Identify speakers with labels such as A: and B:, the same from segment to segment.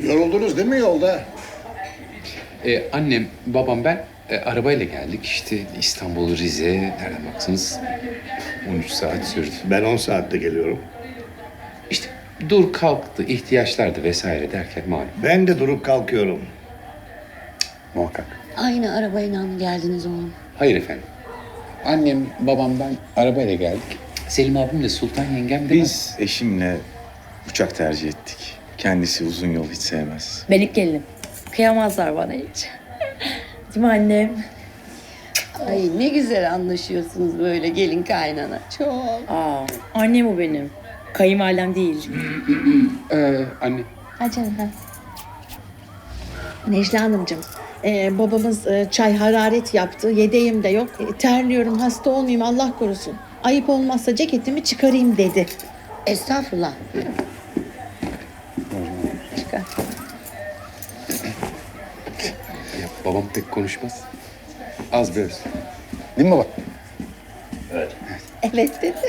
A: Yoruldunuz değil mi yolda?
B: Annem, babam, ben arabayla geldik. İşte İstanbul, Rize, nereden baksanız 13 saat sürdü.
A: Ben 10 saatte geliyorum.
B: İşte dur kalktı, ihtiyaçlardı vesaire derken malum.
A: Ben de durup kalkıyorum.
B: Muhakkak.
C: Aynı arabayla mı geldiniz oğlum?
B: Hayır efendim. Annem, babam, ben arabayla geldik. Selim abim de Sultan yengem de
D: Biz eşimle uçak tercih ettik. Kendisi uzun yol hiç sevmez.
E: Ben ilk gelinim. Kıyamazlar bana hiç. Değil mi annem?
C: Ay ne güzel anlaşıyorsunuz böyle gelin kaynana. Çok.
E: Aa, annem o benim. Kayınvalidem değil.
B: Anne.
C: Ha canım ha.
F: Necla Hanımcığım, babamız çay hararet yaptı. Yedeğim de yok. Terliyorum, hasta olmayayım Allah korusun. Ayıp olmazsa ceketimi çıkarayım dedi.
C: Estağfurullah. Çıkar.
B: Ya, babam pek konuşmaz. Az biraz. Değil mi baba?
F: Evet dedi.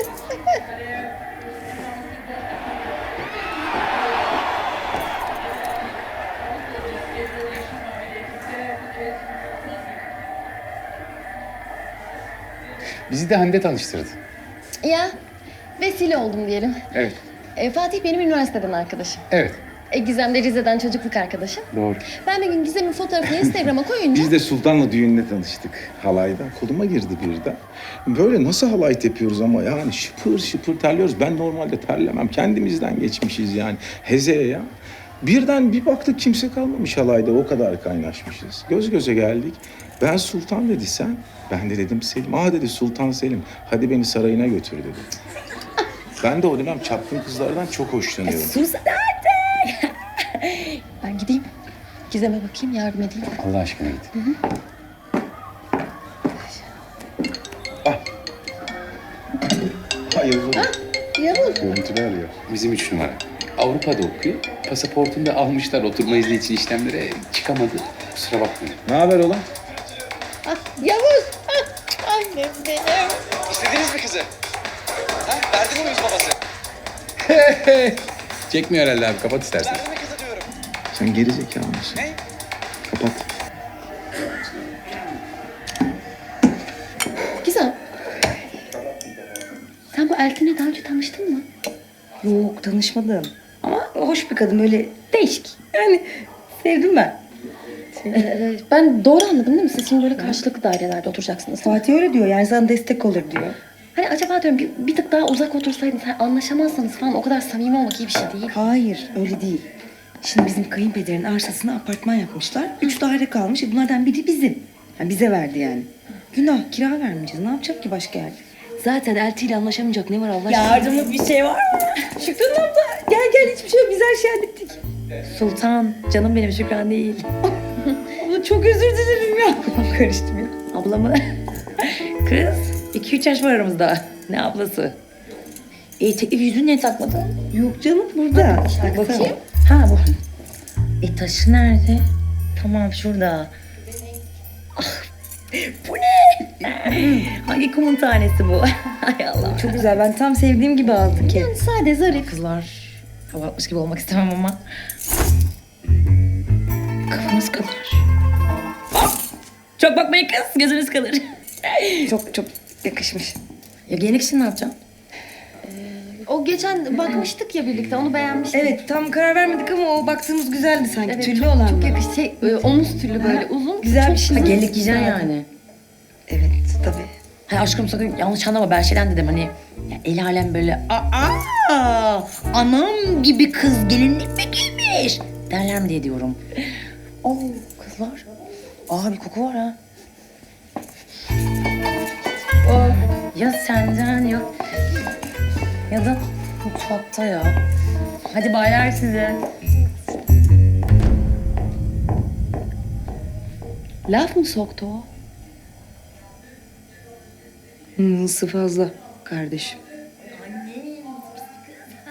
B: Bizi de Hande tanıştırdı.
G: Ya vesile oldum diyelim.
B: Evet,
G: Fatih benim üniversiteden arkadaşım.
B: evet.
G: Gizem de Rize'den çocukluk arkadaşım.
B: Doğru.
G: Ben bir gün Gizem'in fotoğrafını Instagram'a koyunca...
D: Biz de Sultan'la düğünde tanıştık. Halayda. Koluma girdi birden. Böyle nasıl halay tepiyoruz ama yani şıpır şıpır terliyoruz. Ben normalde terlemem. Kendimizden geçmişiz yani. Hezeye ya. Birden bir baktık kimse kalmamış halayda. O kadar kaynaşmışız. Göz göze geldik. Ben Sultan dedi sen. Ben de dedim Selim. Aa dedi Sultan Selim. Hadi beni sarayına götür dedi. Ben de o dönem çapkın kızlardan çok hoşlanıyorum.
E: Sus hadi.
G: Ben gideyim. Gizem'e bakayım, yardım edeyim.
B: Allah aşkına git.
D: Hayırlı.
B: Görüntüler ya. Bizim 3 numara. Avrupa'da okuyor. Pasaportunu da almışlar oturma izni için işlemlere. Çıkamadı. Kusura bakmayın.
D: Ne haber oğlum?
F: Yavuz, annem benim.
H: İstediniz mi kızı? Ha? Verdi mi muyuz babası?
B: Çekmiyor herhalde abi. Kapat istersen.
H: Verdi mi kızı diyorum.
D: Sen geri zekalı mısın?
H: Ne?
D: Kapat.
G: Gizem. Sen bu Eltin'le daha önce tanıştın mı?
E: Yok tanışmadım. Ama hoş bir kadın böyle değişik. Yani sevdim ben.
G: Ben doğru anladım değil mi? Siz şimdi böyle karşılıklı dairelerde oturacaksınız.
E: Fatih öyle diyor yani sana destek olur diyor.
G: Hani acaba diyorum bir tık daha uzak otursaydınız, hani anlaşamazsanız falan o kadar samimi olmak iyi bir şey değil.
E: Hayır öyle değil. Şimdi bizim kayınpederin arsasına apartman yapmışlar. 3 daire kalmış. Bunlardan biri bizim. Yani bize verdi yani. Günah kira vermeyeceğiz. Ne yapacak ki başka yerde?
G: Zaten Elti ile anlaşamayacak ne var Allah aşkına?
E: Yardımlık bir şey var mı? Şükran abla gel hiçbir şey yok. Biz her şeyi hallettik. Sultan canım benim Şükran değil. Abla çok özür dilerim ya. Kafam karıştı ya. Abla mı? Kız 2-3 yaş var aramızda. Ne ablası? Teklif yüzüğünü niye takmadın? Yok canım burada. Bakayım. Ha bu. Taşı nerede? Tamam şurada. Ah, bu ne? Hangi kumun tanesi bu? Hay Allah. Çok güzel. Ben tam sevdiğim gibi aldım ki.
G: Yani sade, zarif.
E: Kızlar hava atmış gibi olmak istemem ama. Kafanız kadar. Hop! Çok bakmayın kız. Gözünüz kalır. çok yakışmış. Ya giyinik için ne yapacağım?
G: O geçen bakmıştık ya birlikte, onu beğenmiştim.
E: Evet tam karar vermedik ama o baktığımız güzeldi sanki.
G: Evet,
E: Tüllü
G: çok,
E: olan
G: çok
E: mı?
G: yakıştı. Omuz tüllü böyle uzun.
E: Güzel
G: çok
E: bir şey.
G: uzun.
E: Gelinlik giyeceksin yani. Evet tabii. Hay aşkım sakın yanlış anlama ben şeyden dedim hani ya el alem böyle anam gibi kız gelinlik mi giymiş derler mi diye diyorum. Oo kızlar. Bir koku var ha. Ya senden yok ya da mutfakta ya. Hadi baylar size.
G: Laf mı soktu o?
E: Isı fazla kardeşim.